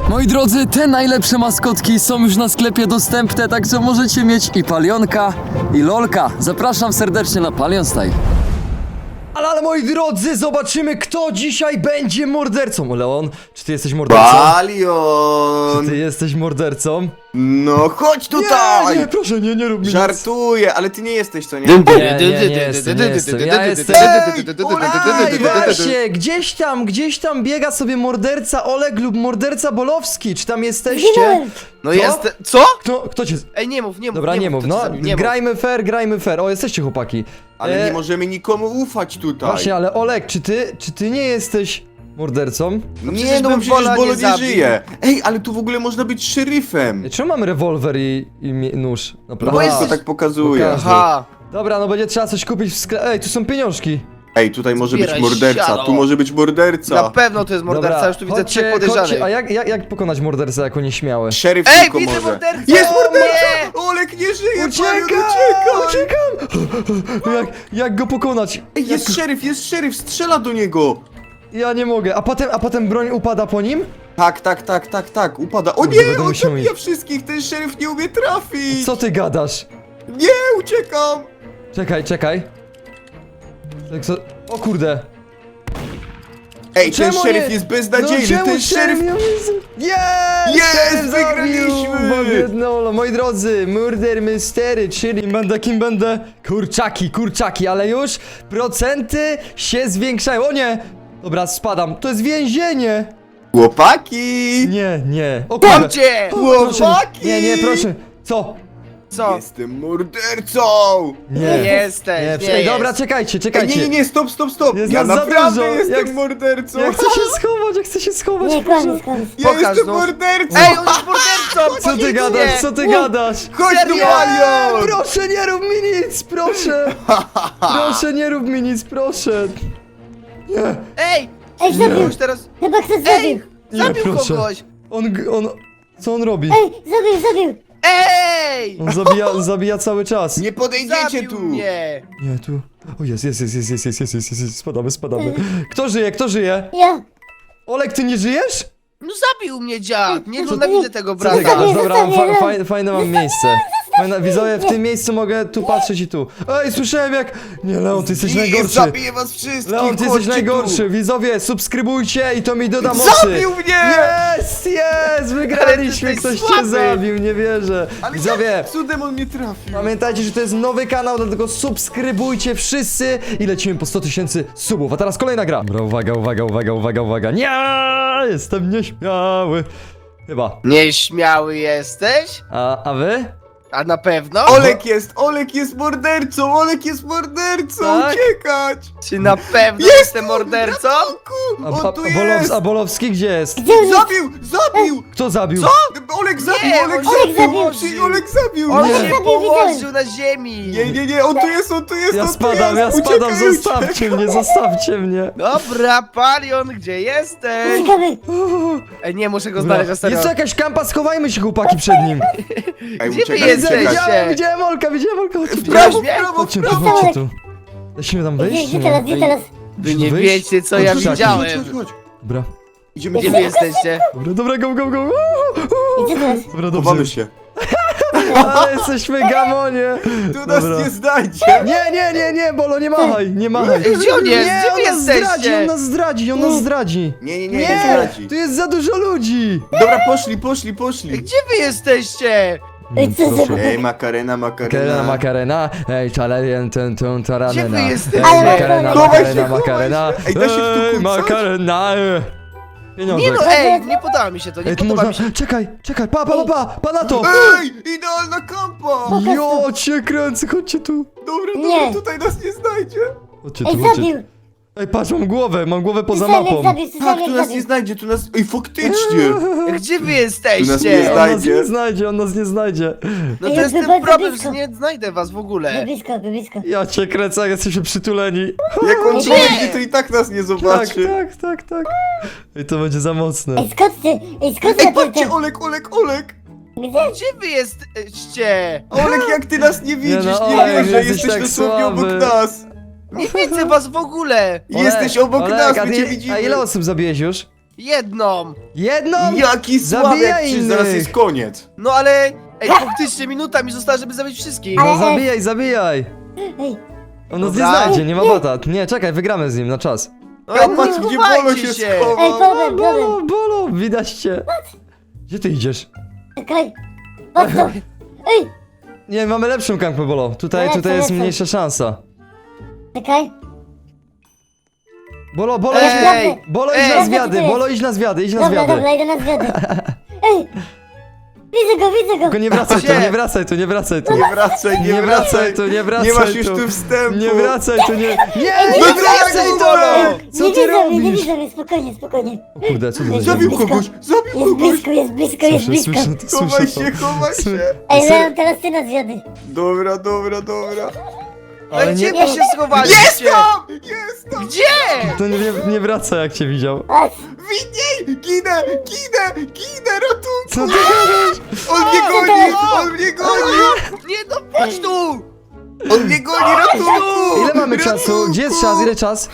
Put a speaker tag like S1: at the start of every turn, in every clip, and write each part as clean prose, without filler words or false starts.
S1: Moi drodzy, te najlepsze maskotki są już na sklepie dostępne, także możecie mieć i Palionka, i Lolka. Zapraszam serdecznie na Palion Style. Ale moi drodzy, zobaczymy, kto dzisiaj będzie mordercą. Leon, czy ty jesteś mordercą?
S2: Palion!
S1: Czy ty jesteś mordercą?
S2: No chodź tutaj!
S1: Nie, proszę, nie rób mi nic.
S2: Żartuję, ale ty nie jesteś, co nie?
S1: Nie jestem. Ja jestem. Ej, właśnie, gdzieś tam biega sobie morderca Oleg lub morderca Bolowski. Czy tam jesteście?
S2: No
S1: Co?
S2: jest... Co?
S1: Kto cię...
S3: Ej, nie mów,
S1: Dobra, nie mów,
S3: kto cię
S1: no.
S3: zabił, nie mów.
S1: Grajmy fair. O, jesteście chłopaki.
S2: Ale nie możemy nikomu ufać tutaj.
S1: Właśnie, ale Oleg, czy ty nie jesteś mordercą?
S2: Nie,
S3: przecież
S2: no bo
S3: bym
S2: przecież
S3: Bola
S2: Bolo
S3: nie
S2: nie
S3: zabił.
S2: żyje. Ej, ale tu w ogóle można być szeryfem.
S1: Czemu mamy rewolwer i nóż?
S2: No
S1: Naprawdę.
S2: bo
S3: jesteś-
S2: to tak pokazuje.
S1: Pokaż.
S3: Aha,
S1: Dobra, no będzie trzeba coś kupić w sklepie. Ej, tu są pieniążki.
S2: Ej, tutaj może być
S3: Zbieraj
S2: morderca,
S3: siano.
S2: tu może być
S3: na
S2: morderca.
S3: pewno to jest morderca,
S1: Dobra,
S3: już tu widzę trzech podejrzanych.
S1: A jak pokonać mordercę jako nieśmiały?
S2: Szeryf
S3: Ej,
S2: tylko
S3: widzę
S2: może.
S3: mordercę!
S2: Jest morderca!
S3: Nie!
S2: Olek nie żyje,
S1: Uciekam!
S2: Palion, uciekaj!
S1: Uciekam! Jak go pokonać?
S2: Ej, jest szeryf, strzela do niego!
S1: Ja nie mogę. A potem broń upada po nim?
S2: Tak, upada. O
S1: Kurde,
S2: nie,
S1: będę
S2: on
S1: musiał
S2: zabija
S1: iść.
S2: wszystkich, ten szeryf nie umie trafić!
S1: Co ty gadasz?
S2: Nie, uciekam!
S1: Czekaj. O kurde.
S2: Ej, ten
S1: Czemu
S2: szeryf
S1: nie?
S2: jest beznadziejny,
S1: czemu
S2: ten szeryf...
S1: Jest!
S2: Jest,
S1: Szeryf zabił!
S2: wygraliśmy!
S1: Bo biednolo. Moi drodzy, Murder Mystery, czyli kim będę? Kurczaki, ale już procenty się zwiększają. O nie! Dobra, spadam. To jest więzienie!
S2: Chłopaki!
S1: Nie. O kurde.
S3: Mam cię!
S1: Proszę.
S2: Chłopaki!
S1: Nie, proszę. Co?
S3: Co?
S2: Jestem mordercą!
S3: Nie
S1: Nie
S3: jesteś, nie
S1: Ej,
S3: jest.
S1: dobra, czekajcie.
S2: Ej, nie, stop!
S1: Jest
S2: Ja
S1: nas za
S2: naprawdę
S1: dużo.
S2: jestem
S1: Jak-
S2: mordercą!
S1: Ja chcę się schować,
S4: Nie,
S1: proszę.
S4: koniec.
S2: Ja
S3: Pokaż,
S2: jestem
S3: no.
S2: mordercą!
S3: Ej, on jest mordercą!
S1: Co ty
S3: nic
S1: gadasz?
S3: nie.
S1: Co ty gadasz?
S2: Chodź tu,
S3: Serio?
S2: Palion!
S1: Proszę, nie rób mi nic, proszę! Proszę, nie rób mi nic, proszę! Nie,
S3: Ej!
S4: Ej, zabił!
S3: Już teraz...
S4: Chyba ktoś
S3: Ej!
S4: zabił!
S3: Zabił
S1: proszę.
S3: kogoś!
S1: Co on robi?
S4: Ej, zabił!
S3: Ej!
S1: On zabija cały czas.
S2: Nie podejdziecie
S3: Zabił
S2: tu!
S3: mnie!
S1: Nie, tu. O, jest, spadamy. Kto żyje?
S4: Ja!
S1: Olek, ty nie żyjesz?
S3: No zabił mnie dziad! Nie
S1: Co-
S3: nienawidzę tego
S1: Co ty
S3: brata!
S1: gadasz? Dobra,
S4: Zostawię.
S1: fajne mam miejsce. Widzowie, w tym miejscu mogę tu patrzeć i tu. Ej, słyszałem jak... Nie, Leon, ty jesteś najgorszy.
S2: Zabiję was wszystkich!
S1: Leon, ty jesteś
S2: chodźcie
S1: najgorszy.
S2: tu.
S1: Widzowie, subskrybujcie i to mi doda mocy.
S2: Zabił mnie!
S1: Jest! Wygraliśmy!
S3: Ale ty
S1: Ktoś
S3: jesteś
S1: cię
S3: słaby.
S1: zabił, nie wierzę.
S2: Ale
S1: Widzowie,
S2: jak cudem on mnie trafił?
S1: pamiętajcie, że to jest nowy kanał, dlatego subskrybujcie wszyscy i lecimy po 100 000 subów. A teraz kolejna gra. Dobra, uwaga. Nie! Jestem nieśmiały. Chyba.
S3: Nieśmiały jesteś?
S1: A wy?
S3: A na pewno?
S2: Olek jest mordercą!
S1: Tak?
S2: Uciekać!
S3: Czy na pewno jestem mordercą?
S2: On tu jest!
S1: A Bolowski gdzie jest?
S4: Gdzie on jest?
S2: Zabił!
S1: Kto zabił?
S2: Olek zabił!
S3: Nie,
S2: Olek
S3: on
S2: zabił!
S4: się zabił.
S2: Czyli Olek zabił!
S3: On
S1: Nie.
S3: się
S4: Zabił,
S3: położył na ziemi!
S2: Nie, on tu jest!
S1: Ja spadam,
S2: Uciekaj,
S1: zostawcie mnie.
S3: Dobra, Palion, gdzie jesteś?
S4: Uciekamy!
S3: Ej, nie, muszę go
S1: Dobra,
S3: znaleźć na serio.
S1: jest tu jakaś kampa, schowajmy się chłopaki przed nim.
S2: Ej,
S3: Gdzie wy
S2: uciekaj,
S3: jesteście?
S2: uciekaj.
S1: Widziałem Olka, chodźcie tu.
S3: Widziałeś mnie?
S1: Chodźcie tu,
S4: prawo.
S1: chodźcie tu. Musimy tam wejść?
S4: Gdzie teraz, gdzie teraz?
S3: Wy nie
S1: Wyjść?
S3: wiecie, co ja
S1: Chodź, chodź,
S3: widziałem.
S2: Chodź.
S1: Dobra,
S2: Idziemy
S3: Gdzie wy jesteście?
S1: dobra, go.
S4: Gdzie teraz?
S1: Dobra, dobrze.
S2: Chowamy się.
S1: Ale jesteśmy gamonie.
S2: Tu nas
S1: Dobra.
S2: nie znajdzie!
S1: Nie, Bolo, nie machaj.
S3: Ej, gdzie on jest?
S1: Nie,
S3: Gdzie wy
S1: on nas zdradzi,
S3: jesteście?
S1: on nas zdradzi.
S2: Nie zdradzi.
S1: Tu jest za dużo ludzi.
S2: Dobra, poszli.
S3: Gdzie wy jesteście?
S4: Ej, co za...
S2: Ej, Makarena.
S1: Makarena, ej, czalerian, taranena.
S3: Gdzie wy jesteście?
S1: Ej, Makarena,
S2: Chowaj się,
S1: Makarena.
S2: Ej, da się w tu
S1: Ej,
S2: kucać?
S1: Makarena. Pieniądze.
S3: Nie no, ej, nie podoba mi się to, nie
S1: Ej, tu
S3: podoba
S1: można...
S3: mi się.
S1: Czekaj, pa na to.
S2: Ej, idealna kampa!
S1: Jo, cię kręcę, chodźcie tu.
S2: Dobra,
S4: Nie.
S2: tutaj nas nie znajdzie.
S1: Chodźcie
S4: Ej,
S1: tu, chodźcie.
S4: zabił!
S1: Ej, patrz, mam głowę poza mapą.
S4: Zabił,
S2: Tak, tu nas nie znajdzie, tu nas... Ej, faktycznie!
S3: Gdzie wy
S2: Tu nas nie
S3: jesteście?
S1: On nas nie znajdzie.
S3: No to
S4: Ej,
S3: jest ten
S4: bardzo
S3: problem,
S4: blisko.
S3: że nie znajdę was w ogóle.
S4: Blisko.
S1: Ja cię kręcę, jak jesteśmy przytuleni.
S2: Jak on
S4: Nie.
S2: przyjdzie, to i tak nas nie zobaczy.
S1: Tak. Ej, to będzie za mocne.
S4: Ej, skąd ty?
S2: Ej, patrzcie, Olek!
S4: Gdzie?
S3: Gdzie wy jesteście?
S2: Olek, jak ty nas nie widzisz,
S1: no,
S2: nie
S1: Olek,
S2: wierzę,
S1: jesteś
S2: jesteś
S1: tak
S2: dosłownie obok
S1: słaby.
S2: nas.
S3: Nie widzę was w ogóle.
S2: Jesteś obok nas,
S1: a
S2: my
S1: ty-
S2: cię
S1: A
S2: widzimy.
S1: ile osób zabiłeś już?
S3: Jedną!
S1: Jedną?
S2: Jaki słabiak,
S1: Zabijaj
S2: przecież
S1: innych.
S2: zaraz jest koniec.
S3: No ale... Ej, faktycznie minuta mi została, żeby zabić wszystkich.
S1: No zabijaj, zabijaj.
S4: Ej,
S1: On nas nie
S3: Dobra.
S1: znajdzie, nie ma batat. Nie, czekaj, wygramy z nim na czas.
S3: No,
S2: Ja patrz, gdzie
S3: chowajcie
S2: Bolo się
S4: ej,
S2: schował.
S4: problem.
S1: Bolo, widać cię. Gdzie ty idziesz?
S4: Czekaj. Patrz to. Ej,
S1: Nie, mamy lepszą kampę, Bolo. Tutaj jest
S4: Lecę.
S1: mniejsza szansa.
S4: czekaj.
S1: Bolo,
S3: Ej!
S1: Bolo, idź
S3: Ej!
S1: na zwiady, Bolo, idź na zwiady, idź na
S4: Dobra,
S1: zwiady.
S4: dobra, idę na zwiady. Ej, widzę go.
S1: Tylko nie wracaj tu,
S3: Gdzie?
S1: nie wracaj tu, nie wracaj tu.
S2: Nie wracaj,
S1: Nie wracaj tu, nie wracaj
S2: Nie masz już
S1: tu.
S2: tu wstępu.
S1: Nie wracaj tu, nie... Nie,
S2: No
S1: nie wracaj tu!
S2: Bolo!
S1: Co
S4: nie
S1: ty
S4: widzę mnie, nie
S1: robisz?
S4: widzę mnie, spokojnie.
S1: Kurde, co to za
S2: Zabił
S1: dzień?
S2: kogoś, zabił kogoś.
S4: Jest blisko.
S1: Słyszę to,
S2: Chowaj
S1: słyszę to.
S2: się, chowaj się.
S4: Ej, Leon, teraz ty na zwiady.
S2: Dobra.
S3: No
S1: Ale
S3: gdzie
S1: nie-
S3: wy się schowaliście?
S2: Jest tam!
S3: Gdzie?
S1: To nie wraca jak cię widział.
S4: Patrz,
S2: Widniej! Ginę, ratunku!
S1: Co ty gadasz?
S2: On mnie goni!
S3: Nie, no chodź tu!
S2: On mnie goni, ratunku!
S1: Ile mamy czasu? Gdzie jest czas? Ile czas?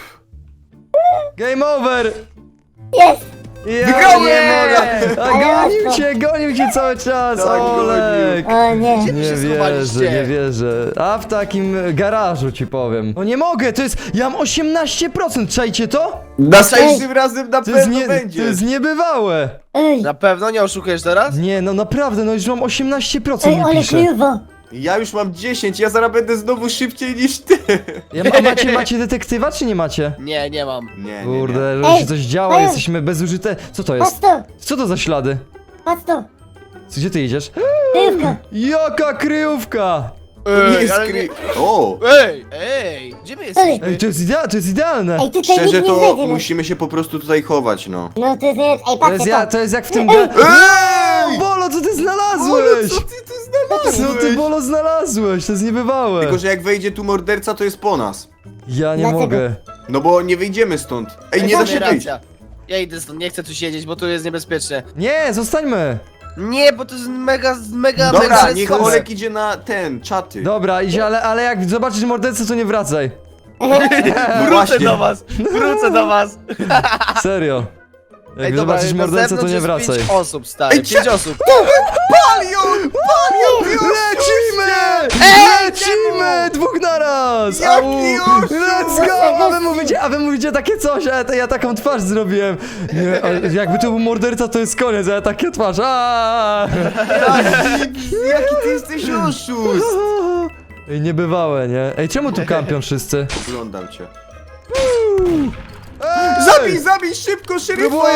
S1: Game over!
S4: jest.
S1: Ja
S2: Wygrałem!
S1: nie mogę! A
S4: Ale
S1: gonił cię cały czas,
S2: Tak,
S1: Olek!
S4: O nie.
S3: Gdzie wy
S1: Nie
S3: się
S1: wierzę,
S3: schowaliście?
S1: nie wierzę. A w takim garażu ci powiem. No nie mogę, to jest... Ja mam 18%, czajcie to?
S2: Następnym razem na
S1: To jest,
S2: pewno
S1: to
S2: będzie.
S1: jest niebywałe.
S4: Ej,
S3: Na pewno nie oszukujesz teraz?
S1: Nie, no naprawdę, no już mam 18%
S4: ej,
S1: mi
S4: ale
S1: pisze.
S4: kryjowo.
S2: Ja już mam 10, ja zaraz będę znowu szybciej niż ty.
S1: A macie detektywa, czy nie macie?
S3: Nie mam.
S2: Nie.
S1: Kurde, że
S4: Ej,
S1: się coś działo,
S4: ej.
S1: jesteśmy bezużyte. Co to
S4: Patrz
S1: jest?
S4: to,
S1: Co to za ślady?
S4: patrz to.
S1: Gdzie ty idziesz?
S4: Kryjówka.
S1: Jaka kryjówka!
S2: Nie
S3: Ej,
S2: jest
S3: ale
S2: kry... O!
S3: Ej, gdzie my jesteśmy?
S1: Ej, to jest idealne!
S4: Ej, tutaj
S2: Szczerze
S4: nikt nie
S2: to
S4: znajdzie nas.
S2: musimy się po prostu tutaj chować, no.
S4: No to jest, ej,
S1: To
S4: patrzcie to.
S1: to jest jak w tym...
S4: Ej!
S2: Ej!
S1: Bolo, co ty
S2: Bolo,
S1: znalazłeś?
S2: co ty tu znalazłeś?
S1: Co ty, Bolo, znalazłeś? To jest niebywałe.
S2: Tylko, że jak wejdzie tu morderca, to jest po nas.
S1: Ja nie
S4: Dlaczego?
S1: mogę.
S2: No bo nie wyjdziemy stąd. Ej, nie da się wyjść.
S3: Racja. Ja idę stąd, nie chcę tu siedzieć, bo tu jest niebezpiecznie.
S1: Nie, zostańmy.
S3: Nie, bo to jest mega
S2: Dobra, niech
S3: ryzykowne.
S2: Olek idzie na ten, czaty.
S1: Dobra, idzie, ale jak zobaczysz mordercę, to nie wracaj.
S2: No
S3: Wrócę
S2: właśnie.
S3: do was.
S1: Serio. Jak
S3: Ej, dobra,
S1: zobaczysz
S3: na
S1: mordercę, to
S3: zewnątrz
S1: nie
S3: jest
S1: wracaj.
S3: 5 osób, stary,
S2: Ej,
S3: 5 osób.
S2: Palion!
S1: Lecimy! Lecimy! Dwóch naraz!
S2: Jaki
S1: Au!
S2: oszust!
S1: Let's go! A wy mówicie takie coś, a ja taką twarz zrobiłem. Nie, jakby to był morderca, to jest koniec, a ja takie twarz.
S2: Jaki ty jesteś oszust!
S1: Ej, niebywałe, nie? Ej, czemu tu kampią wszyscy?
S2: Oglądam cię.
S1: Ej!
S2: Zabij szybko, szeryfa!
S1: Próbuję!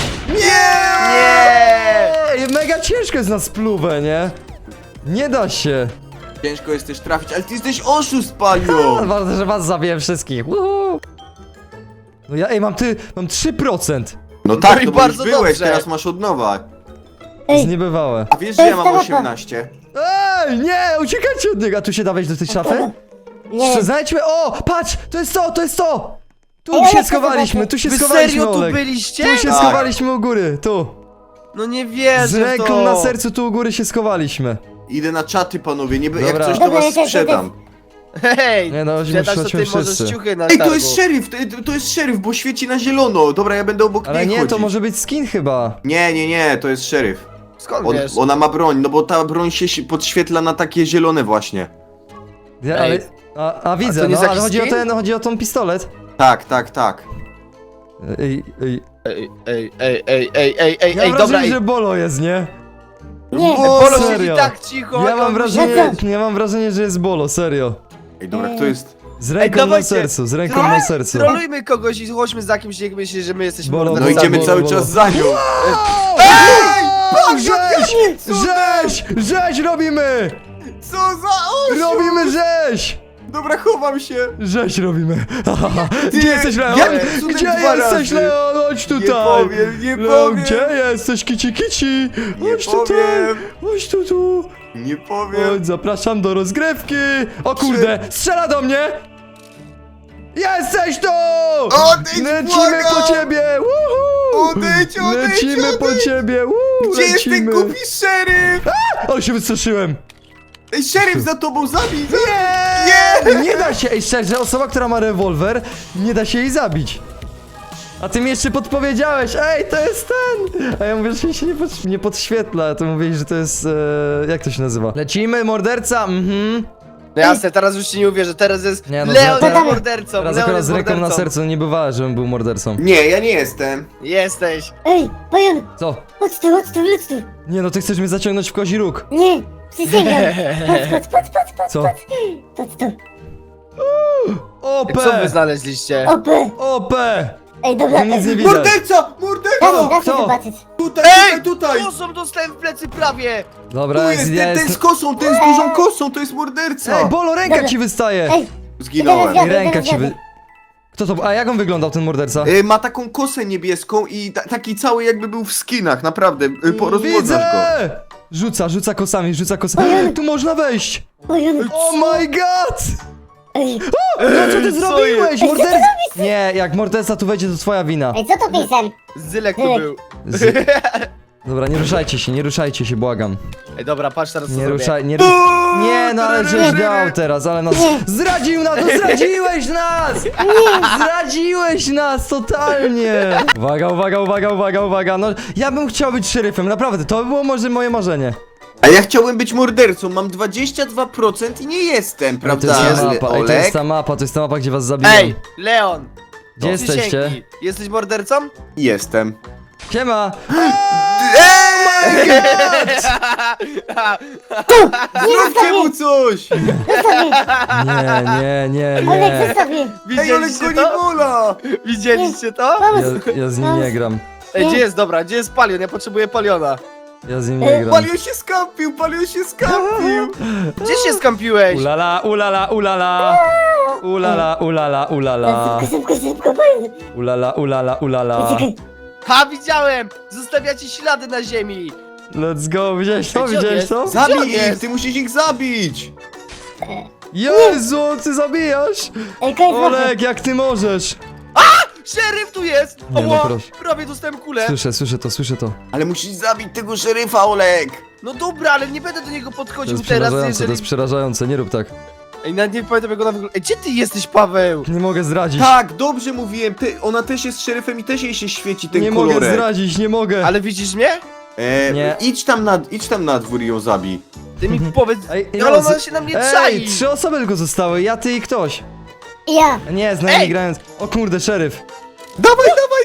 S3: Nie!
S1: Ej, mega ciężko jest na spluwę, nie? Nie da się.
S2: Ciężko jest też trafić, ale ty jesteś oszust, Palion!
S1: Ważne, że was zabiję wszystkich. Uhu. No ja, ej, mam 3%.
S2: No tak,
S3: No i
S2: no bo już
S3: bardzo
S2: byłeś,
S3: dobrze.
S2: teraz masz od nowa.
S1: To jest niebywałe.
S2: A wiesz, że ja mam 18?
S1: Ej, nie, uciekajcie od niego. A tu się dawać do tej szafy?
S4: Nie.
S1: Znajdźmy, o, patrz, to jest to, to jest to. Tu
S4: Ej,
S1: się
S4: ale co
S1: schowaliśmy,
S4: zobaczę?
S1: tu się
S3: Wy
S1: schowaliśmy,
S3: serio tu
S1: Olek.
S3: byliście?
S1: Tu się
S2: Tak.
S1: schowaliśmy u góry, tu.
S3: No nie wierzę
S1: Z
S3: w
S1: ręką
S3: to.
S1: na sercu tu u góry się schowaliśmy.
S2: Idę na czaty, panowie, nie, jak
S1: Dobra.
S2: coś to
S4: Dobra,
S2: was
S4: ja też,
S2: sprzedam.
S3: Hej,
S1: Nie no,
S3: sprzedasz, to
S1: chodźmy
S3: ty możesz
S1: wszyscy.
S3: ciuchy na
S2: Ej,
S3: targu.
S2: to jest szeryf, to jest szeryf, bo świeci na zielono. Dobra, ja będę obok
S1: Ale
S2: niej
S1: nie,
S2: chodzić.
S1: to może być skin chyba.
S2: Nie, to jest szeryf.
S3: Skąd wiesz?
S2: Ona ma broń, no bo ta broń się podświetla na takie zielone właśnie.
S1: Ja,
S3: Ej.
S1: ale, a widzę,
S3: to nie
S1: no,
S3: jest
S1: ale
S3: jakiś
S1: chodzi o
S3: skin?
S1: chodzi o tą pistolet.
S2: Tak.
S1: Ej, ja mam
S3: Dobra,
S1: wrażenie, że Bolo jest, nie?
S4: Nie.
S3: Bolo
S1: serio.
S3: siedzi tak cicho.
S1: Ja mam
S3: on
S1: wrażenie,
S4: Co?
S1: ja mam wrażenie, że jest Bolo, serio.
S2: Ej, dobra, kto jest?
S1: Z ręką na
S3: dawajcie.
S1: sercu, z ręką
S3: Trolluj-
S1: na sercu.
S3: Trolujmy kogoś i chodźmy za kimś, jak myśli, że my jesteśmy
S1: Bolo,
S2: No
S1: Bolo,
S3: mordercami.
S2: idziemy cały czas za nią.
S1: Rzeź robimy!
S2: Co za oszust!
S1: Robimy rzeź!
S2: Dobra, chowam się.
S1: Rzeź robimy.
S2: Ty,
S1: Gdzie jesteś, Leon?
S2: jakim cudem
S1: Gdzie
S2: dwa
S1: jesteś,
S2: razy?
S1: Leon? Chodź tutaj!
S2: Nie
S1: Leon,
S2: powiem.
S1: gdzie jesteś, kici kici?
S2: Nie
S1: Chodź tutaj!
S2: powiem.
S1: Chodź tu!
S2: Nie powiem.
S1: Chodź, zapraszam do rozgrywki! O kurde, strzela do mnie! Jesteś tu!
S2: Odejdź,
S1: Lecimy
S2: błagam!
S1: po ciebie! Woohoo!
S2: Odejdź,
S1: Lecimy po ciebie!
S2: Gdzie jest ten
S1: lecimy!
S2: głupi szeryf?
S1: Ale się wystraszyłem!
S2: Ej, szeryf za tobą, zabij!
S1: Nie! Nie da się, ej szczerze, osoba, która ma rewolwer, nie da się jej zabić. A ty mi jeszcze podpowiedziałeś, ej, to jest ten! A ja mówię, że się nie podświetla, a ty mówisz, że to jest, jak to się nazywa? Lecimy, morderca,
S3: No jasne, teraz już ci nie uwierzę, teraz jest
S1: Nie, no,
S3: Leon
S1: teraz-
S3: jest mordercą,
S1: Teraz
S3: Leon
S1: akurat
S3: jest
S1: z ręką na
S3: mordercą.
S1: sercu nie bywała, żebym był mordercą.
S2: Nie, ja nie jestem.
S3: Jesteś.
S4: Ej, Palion,
S1: Co?
S4: chodź tu.
S1: Nie no, ty chcesz mnie zaciągnąć w kozi róg.
S4: Nie, przysięgam. Patrz.
S1: Co?
S4: Patrz tu.
S1: OP!
S3: Co wy znaleźliście?
S4: OP.
S1: OP!
S4: Ej, dobra.
S1: Tu nic nie widać.
S2: Morderca! Morderca!
S4: Daj
S1: Kto?
S4: zobaczyć.
S2: Tutaj!
S3: Kosą dostałem w plecy prawie!
S1: Dobra,
S2: Tu jest
S1: ja
S2: ten z
S1: jestem...
S2: kosą, ten z dużą kosą, to jest morderca!
S1: Ej, Bolo, ręka
S4: Dobra.
S1: ci wystaje!
S4: Ej,
S2: Zginąłem.
S4: Teraz
S1: Ręka ci wy... Kto to... A jak on wyglądał, ten morderca?
S2: Ma taką kosę niebieską i taki cały jakby był w skinach, naprawdę. Rozmodzasz go.
S1: Widzę! Rzuca kosami. Tu można wejść!
S4: Palion.
S1: Oh my god!
S4: Ej,
S1: No co ty zrobiłeś?
S4: jest?
S1: Morderca... Nie, jak morderca tu wejdzie, to twoja wina.
S4: ej, co to pisem?
S3: Zylek tu był.
S1: Dobra, nie ruszajcie się, błagam.
S3: Ej, dobra, patrz teraz co
S1: Nie
S3: zrobię.
S1: ruszaj, nie Nie, no ale żeś dał teraz, ale nas... Zdradził nas, no zdradziłeś nas! Zdradziłeś nas, totalnie! Uwaga, no ja bym chciał być szeryfem, naprawdę, to by było może moje marzenie.
S2: A ja chciałem być mordercą, mam 22% i nie jestem,
S1: To
S2: prawda?
S1: jest ta mapa, ej, to jest
S2: Olek?
S1: ta mapa, gdzie was zabiłem.
S3: Ej, Leon!
S1: Gdzie jesteście?
S3: Przysięgnij. Jesteś mordercą?
S2: Jestem.
S1: Siema!
S2: Zróbcie mu coś!
S1: Nie.
S4: Olek, zostaw mnie.
S2: Ej, Olek
S3: Widzieliście
S2: goni
S3: to?
S2: Bola!
S3: Widzieliście to?
S1: Ja z nim nie gram.
S3: Ej, gdzie jest, dobra, gdzie jest Palion? Ja potrzebuję Paliona.
S1: Ja z nim nie gram.
S2: Palion się skampił!
S3: Gdzie się skampiłeś?
S1: Ulala.
S4: Szybko, Palion.
S1: Ulala.
S4: Czekaj.
S3: Ha, widziałem! Zostawiacie ślady na ziemi!
S1: Let's go, widziałeś to?
S3: Gdzie on jest?
S2: Zabij
S3: Gdzie on
S2: ich!
S3: jest?
S2: Ty musisz ich zabić!
S1: Jezu, ty zabijasz!
S4: Ej, koniec mapy.
S1: Olek, jak ty możesz?
S3: Szeryf tu jest!
S1: Nie, no
S3: Oła,
S1: proszę.
S3: prawie dostałem kulę.
S1: Słyszę to.
S2: Ale musisz zabić tego szeryfa, Olek!
S3: No dobra, ale nie będę do niego
S1: To
S3: podchodził
S1: jest
S3: teraz,
S1: przerażające,
S3: jeżeli...
S1: to jest przerażające, nie rób tak.
S3: Ej, nawet nie pamiętam jak ona wygląda. Ej, gdzie ty jesteś, Paweł?
S1: Nie mogę zdradzić.
S2: Tak, dobrze mówiłem, ona też jest szeryfem i też jej się świeci ten
S1: Nie
S2: kolorek.
S1: mogę zdradzić, nie mogę.
S3: Ale widzisz mnie?
S1: Nie.
S2: Idź tam na dwór i ją zabij.
S3: Ty mi powiedz...
S1: Ej,
S3: Ale ona się na mnie czai!
S1: Ej, 3 osoby tylko zostały, ja, ty i ktoś.
S4: Ja.
S1: Nie, z nami
S3: Ej!
S1: grając. O kurde, szeryf.
S2: Dawaj!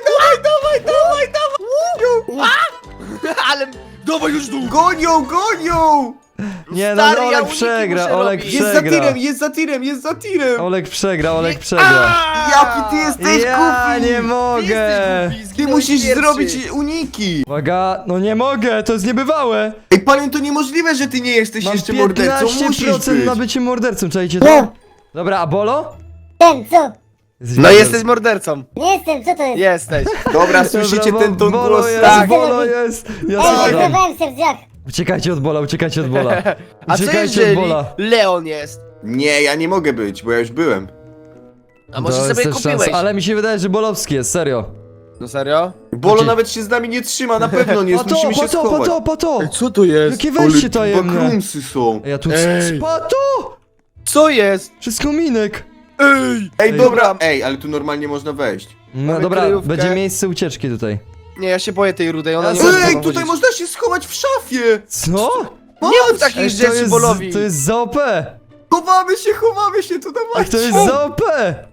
S3: Ale... Dawaj już tu!
S2: Gonią!
S1: Nie, no
S3: Stary, ja
S1: Olek
S3: uniki
S1: przegra,
S3: muszę
S1: Olek
S3: robić.
S2: Jest za
S1: przegra.
S2: tirem!
S1: Olek przegra.
S2: Jaki ty jesteś
S1: Ja
S2: głupi!
S1: nie mogę.
S2: Ty musisz zrobić uniki!
S1: Uwaga, no nie mogę, to jest niebywałe.
S2: Ej, Palion, to niemożliwe, że ty nie jesteś
S1: Mam
S2: jeszcze mordercą, musisz
S1: 15%
S2: być!
S1: na bycie mordercą, czajcie to?
S4: No,
S1: Dobra, a Bolo?
S4: ten, co?
S3: No jesteś mordercą.
S4: Nie jestem, co to jest?
S3: Jesteś.
S2: Dobra, słyszycie
S1: Dobra,
S2: ten ton
S1: Bolo
S2: głosu?
S1: jest,
S3: Tak.
S1: Bolo jest. Ja
S4: Ej,
S1: słyszę.
S4: zerwałem się w drzwiach.
S1: Uciekajcie od Bola.
S3: A co
S1: Uciekajcie
S3: jeżeli
S1: od Bola.
S3: Leon jest?
S2: Nie, ja nie mogę być, bo ja już byłem.
S3: A może
S1: To jest
S3: sobie
S1: też
S3: kupiłeś?
S1: szansa, ale mi się wydaje, że Bolowski jest, serio.
S3: No serio?
S2: Bolo
S1: Gdzie?
S2: nawet się z nami nie trzyma, na pewno nie jest, musimy się schować.
S1: Pato!
S3: Co to jest?
S1: Jakie wejście tajemne!
S2: bakrumsy są.
S1: Ej, ja tu...
S3: Ej.
S1: Pato!
S3: Co jest?
S1: Wszystko minek!
S3: Ej!
S2: Ej, dobra, ale tu normalnie można wejść.
S1: No
S3: Mamy
S1: dobra,
S3: kryjówkę.
S1: będzie miejsce ucieczki tutaj.
S3: Nie, ja się boję tej rudej, ona
S1: Ja
S3: nie
S1: sobie-
S3: może
S2: Ej,
S3: tam
S2: tutaj
S3: chodzić.
S2: można się schować w szafie!
S1: Co?
S3: Nie mów takich
S1: Ej, to
S3: rzeczy
S1: jest,
S3: Bolowi!
S1: to jest za OP!
S2: Chowamy się, tu
S1: Ej,
S2: dawajcie!
S1: to jest za OP!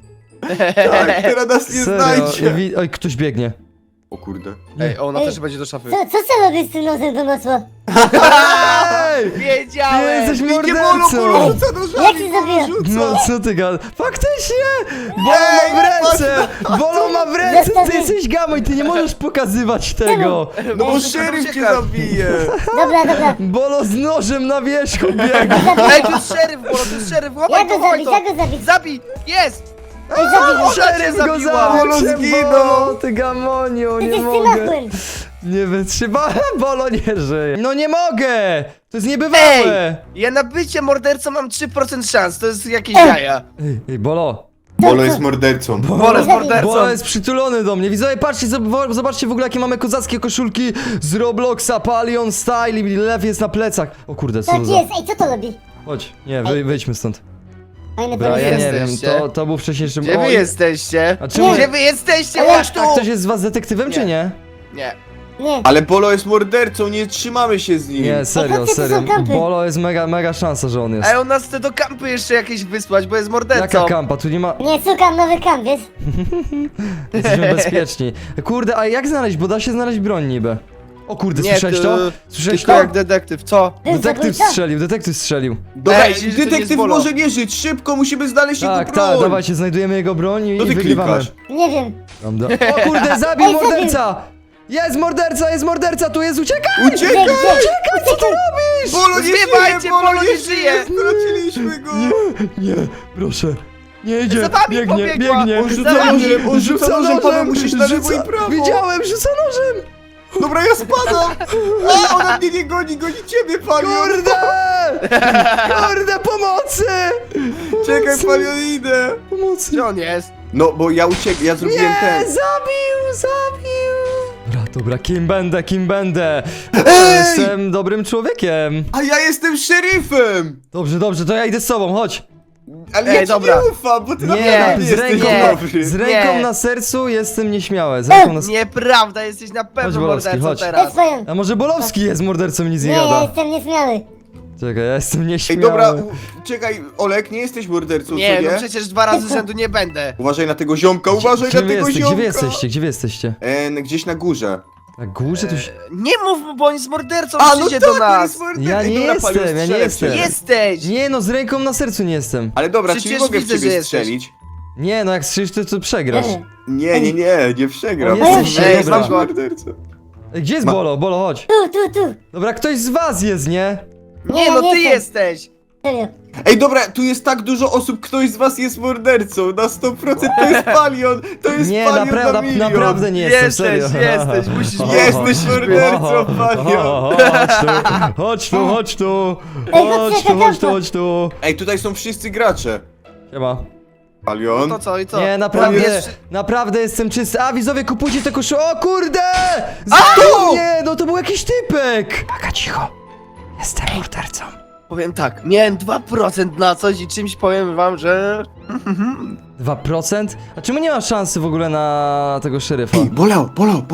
S2: Tak, teraz nas nie
S1: Serio,
S2: znajdzie.
S1: Oj, ktoś biegnie.
S2: O kurde.
S3: Ej, ona
S4: Ej.
S3: też będzie do szafy.
S4: Co trzeba robić z tym nosem do masła?
S1: Ej!
S3: Wiedziałem!
S1: Jesteś
S2: Nie Bolo
S1: mordercą!
S2: rzuca do
S4: Jak
S2: żabi,
S4: się zabija?
S1: No co ty gadasz? Faktycznie! Bolo ma w ręce! Bolo ma w ręce! Ty jesteś gamoj, ty nie możesz pokazywać tego!
S2: No bo
S3: Ej,
S2: szeryf cię
S3: uciekam.
S2: zabije.
S4: Dobra.
S1: Bolo z nożem na wierzchu biega!
S3: Ej, to jest szeryf, Bolo, to jest szeryf,
S4: Ja
S3: chowaj
S4: go
S3: to, chowaj
S4: zabić,
S3: to!
S4: ja go zabić.
S3: Zabij! Jest!
S4: Ej, zabij go.
S1: Szeryf go
S3: zabiła.
S2: Bolo
S1: zabił!
S2: zginął.
S1: Bolo, ty gamoniu, nie
S4: Przecież ty
S1: mogę!
S4: machłem.
S1: Nie wytrzyma, Bolo nie żyje! No nie mogę! To jest niebywałe!
S3: Ja na bycie mordercą mam 3% szans, to jest jakieś jaja.
S1: Ej, Bolo!
S2: Bolo jest mordercą.
S3: Bolo jest mordercą.
S1: Bolo jest przytulony do mnie. Widzowie, patrzcie, zobaczcie w ogóle, jakie mamy kozackie koszulki z Robloxa, Palion Style i lew jest na plecach. O kurde, co
S4: Tak
S1: to za...
S4: jest, ej, co to robi?
S1: Chodź, nie, wyjdźmy stąd.
S4: Fajny
S1: Dobra, ja
S4: pomysł.
S1: nie wiem,
S3: jesteście?
S1: to był wcześniejszy...
S3: Gdzie wy
S1: Oj,
S3: jesteście?
S1: A czemu-
S3: Gdzie wy jesteście?
S4: Ale-
S3: Chodź tu!
S1: A ktoś jest z was detektywem,
S3: Nie.
S1: czy nie?
S3: Nie.
S4: Nie.
S2: Ale Bolo jest mordercą, nie trzymamy się z nim.
S1: Nie, serio,
S4: chodźcie, tu są
S1: serio.
S4: kampy.
S1: Bolo jest mega szansa, że on jest.
S3: Ej, on nas chce do kampy jeszcze jakieś wysłać, bo jest mordercą.
S1: Jaka kampa? Tu nie ma...
S4: Nie, szukam nowy kamp, wiesz?
S1: Jesteśmy bezpieczni. Kurde, a jak znaleźć? Bo da się znaleźć broń niby. O kurde, słyszałeś
S3: ty-
S1: to? Słyszałeś
S3: Tylko
S1: to?
S3: jak detektyw, co?
S4: Był
S1: Detektyw
S4: zabójca?
S1: detektyw strzelił.
S2: Dobra,
S3: Ej, myślisz, że to nie jest
S2: detektyw
S3: Bolo?
S2: może nie żyć, szybko, musimy znaleźć
S1: Tak,
S2: jego broń.
S1: tak, dawajcie, znajdujemy jego broń i
S2: Co ty
S1: wygrywamy.
S2: klikasz?
S4: Nie wiem.
S1: Prawda? O kurde, zabił
S4: Ej, zabił.
S1: morderca! Jest morderca, tu jest, uciekaj!
S4: Gdzie,
S2: Uciekaj!
S4: gdzie?
S1: Co ty robisz?
S2: Bolo nie
S3: Zbiewajcie,
S2: żyje,
S3: Bolo nie żyje!
S2: Straciliśmy go!
S1: Nie, proszę. Nie idzie,
S3: Za wami
S1: biegnie,
S3: pobiegła.
S1: biegnie.
S2: On rzuca nożem, on rzuca nożem, Paweł, musisz na lewo i prawo.
S1: Widziałem, rzuca nożem!
S2: Dobra, ja spadam! A, ona mnie nie goni, goni ciebie, Palion!
S1: Kurde! Kurde, pomocy!
S2: Czekaj, Palion, idę!
S1: Pomocy!
S3: Gdzie on jest?
S2: No, bo ja uciekłem, ja zrobiłem
S1: Nie,
S2: ten.
S1: zabił! Dobra, kim będę?
S2: Ej!
S1: Jestem dobrym człowiekiem.
S2: A ja jestem szeryfem!
S1: Dobrze, to ja idę z tobą, chodź.
S2: Ale
S3: Ej,
S2: ja ci
S3: dobra.
S2: nie ufam, bo ty
S1: Nie,
S2: naprawdę
S1: z
S2: jesteś
S1: ręką,
S2: dobry.
S1: z ręką
S3: Nie.
S1: na sercu jestem nieśmiały. Z ręką na sercu.
S3: Nieprawda, jesteś na
S1: Chodź,
S3: pewno
S1: Bolowski,
S3: mordercą
S1: chodź.
S3: teraz.
S4: Jest swoją.
S1: A może Bolowski jest mordercą i nic nie
S4: Nie, ja
S1: gada?
S4: jestem nieśmiały.
S1: Czekaj, ja jestem
S2: Ej,
S1: nieśmiały.
S2: dobra, czekaj, Olek, nie jesteś mordercą,
S3: Nie,
S2: co nie?
S3: no przecież 2 razy z rzędu nie będę.
S2: Uważaj na tego ziomka, uważaj
S1: Gdzie
S2: na
S1: wy
S2: tego
S1: jesteście?
S2: ziomka!
S1: Gdzie wy jesteście?
S2: Gdzieś na górze.
S1: Na górze tu się...
S3: Nie mów mu, bo on jest mordercą,
S2: A, no
S3: przyjdzie
S2: tak,
S3: do
S2: on
S3: nas.
S2: jest mordercą.
S1: Ja
S2: Ej,
S1: nie
S2: dobra,
S1: jestem,
S2: Palion,
S1: ja nie
S2: strzelę w
S1: jestem.
S2: ciebie.
S3: Jesteś!
S1: Nie no, z ręką na sercu nie jestem.
S2: Ale dobra,
S3: Przecież
S2: czyli mogę w
S3: widzę,
S2: ciebie
S3: że jesteś.
S2: strzelić.
S1: Nie no, jak strzelisz to przegrasz.
S2: Nie przegram.
S1: O, jesteś,
S2: Nie
S3: dobra.
S2: jesteś mordercą.
S1: Ej, gdzie jest
S2: Ma-
S1: Bolo? Bolo, chodź.
S4: Tu.
S1: Dobra, ktoś z was jest, nie?
S3: Nie,
S4: ja
S3: no
S4: nie
S3: ty
S4: jestem.
S3: jesteś!
S4: Serio.
S2: Ej, dobra, tu jest tak dużo osób, ktoś z was jest mordercą. Na 100% to jest Palion. To jest
S1: Nie,
S2: Palion na milion.
S1: naprawdę nie jestem,
S3: Jesteś,
S1: serio.
S3: jesteś, musisz
S2: Jesteś mordercą, Palion.
S1: Chodź tu. Chodź tu.
S2: Ej, tutaj są wszyscy gracze.
S1: Siema.
S2: Palion.
S3: No to co i co?
S1: Nie, naprawdę jestem czysty. A, widzowie, kupujcie te koszule. O kurde!
S2: kto?
S1: Nie, no to był jakiś typek. Taka cicho. Jestem mordercą.
S3: Powiem tak, miałem 2% na coś i czymś powiem wam, że...
S1: 2%? A czemu nie ma szansy w ogóle na tego szeryfa?
S2: Ej, Bolo.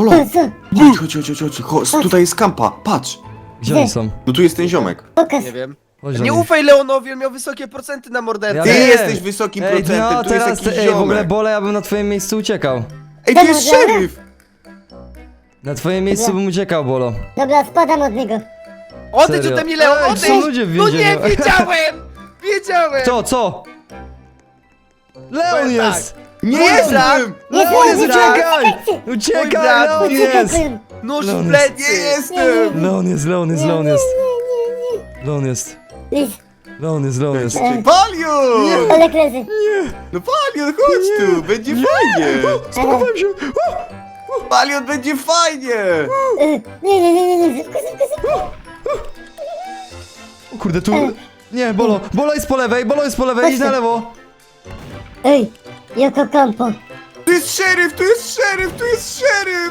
S2: Chodź, tutaj jest kampa, patrz.
S1: Gdzie oni są?
S2: No tu jest ten ziomek.
S4: Pokaż.
S3: Nie wiem.
S1: Chodź do
S3: Nie
S1: nich.
S3: ufaj Leonowi, on miał wysokie procenty na mordercę.
S1: Ja
S2: Ty
S1: wiem.
S2: jesteś wysokim
S1: Ej,
S2: procentem,
S1: no
S2: tu jest
S1: teraz,
S2: jakiś
S1: w ogóle
S2: ziomek.
S1: Bole, ja bym na twoim miejscu uciekał.
S2: Ej, tu jest szeryf.
S1: Na twoim miejscu bym uciekał, Bolo.
S4: Dobra, spadam od niego.
S3: Odejdź
S1: Serio.
S3: ode mnie, Leon,
S1: Ej,
S3: odejdź!
S1: są ludzie w
S3: No nie,
S1: więzieniu.
S3: wiedziałem! Wiedziałem!
S1: Kto, co? Leon
S3: Powiem
S1: jest!
S2: Nie
S3: Mój
S2: jestem!
S1: Leon jest,
S3: Mój brat.
S1: uciekaj!
S3: Mój
S1: Uciekaj,
S3: brat.
S1: Leon
S4: Uciekaj,
S1: jest!
S4: powiem.
S3: Nóż
S1: Leon
S3: w
S1: jest.
S3: plecy!
S2: Nie jestem!
S1: Leon jest. Leon jest.
S4: Idź.
S2: Palion!
S4: Olek leży.
S2: No Palion, chodź tu, będzie fajnie!
S1: Schowałem się!
S2: Palion, będzie fajnie!
S4: Nie. Szybko.
S1: O kurde, tu... Nie, Bolo! Bolo jest po lewej, idź na lewo!
S4: Ej, Joko Campo.
S2: Tu jest szeryf, tu jest szeryf, tu jest szeryf!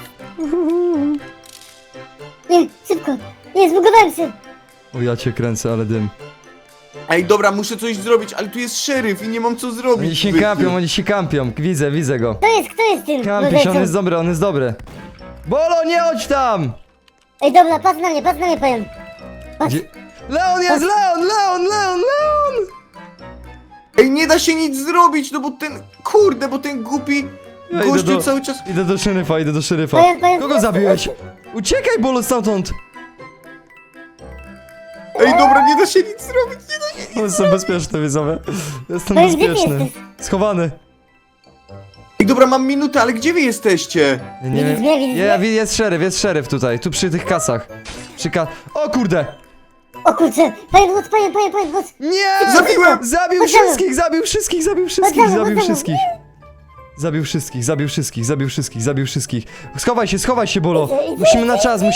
S4: Nie, szybko. Nie, zbugowałem się.
S1: O, ja cię kręcę, ale dym.
S2: Ej, dobra, muszę coś zrobić, ale tu jest szeryf i nie mam co zrobić.
S1: Oni się kampią, widzę go.
S4: Kto jest tym?
S1: Kampi się,
S4: mordercą?
S1: on jest dobry. Bolo, nie chodź tam!
S4: Ej, dobra, patrz na mnie, powiem.
S1: Gdzie... Leon jest, Leon!
S2: Ej, nie da się nic zrobić, no bo ten głupi
S1: Ja idę
S2: gościu
S1: do-
S2: cały czas...
S1: Idę do szeryfa.
S4: Powiem.
S1: Kogo zabiłeś? Uciekaj, Bolo, stamtąd!
S2: Ej, dobra, nie da się nic zrobić, nie da się...
S1: Jestem bezpieczny, widzowie. Jestem
S4: Powiem, gdzie ty
S1: bezpieczny.
S4: jesteś?
S1: Schowany.
S2: Ej, dobra, mam minutę, ale gdzie wy jesteście?
S1: Nie
S4: Widzisz
S1: wiem.
S4: mnie, widzisz
S1: Ja,
S4: mnie?
S1: jest szeryf tutaj, tu przy tych kasach. O kurde!
S4: O kurczę, powiem, chodź.
S1: Nie!
S2: Zabiłem!
S1: Zabił
S4: Chodź,
S1: wszystkich! Zabił wszystkich! Schowaj się, Bolo!
S4: Idę.
S1: Musimy na czas!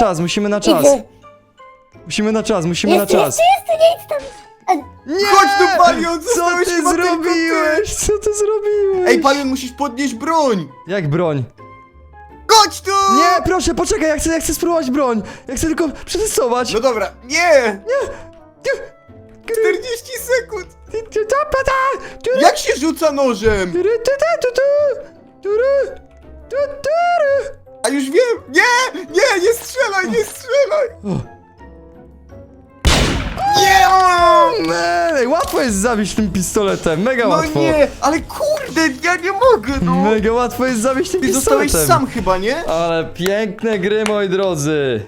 S4: Jest, nie idź tam.
S1: Nie!
S2: Chodź tu, Palion,
S1: Co
S2: zostałeś
S1: ty
S2: chyba tylko ty.
S1: zrobiłeś? Co ty zrobiłeś?
S2: Ej, Palion, musisz podnieść broń!
S1: Jak broń?
S2: Chodź tu!
S1: Nie, proszę, poczekaj, ja chcę spróbować broń! Ja chcę tylko przetestować!
S2: No dobra, nie! 40 sekund! Jak się rzuca nożem? A już wiem! Nie! Nie! Nie strzelaj! Nie strzelaj! Nie!
S1: Ej, łatwo jest zabić tym pistoletem, mega
S2: No
S1: łatwo.
S2: nie! Ale kurde! Ja nie mogę, no!
S1: Mega łatwo jest zabić tym
S2: Ty
S1: pistoletem.
S2: zostałeś sam chyba, nie?
S1: Ale piękne gry, moi drodzy.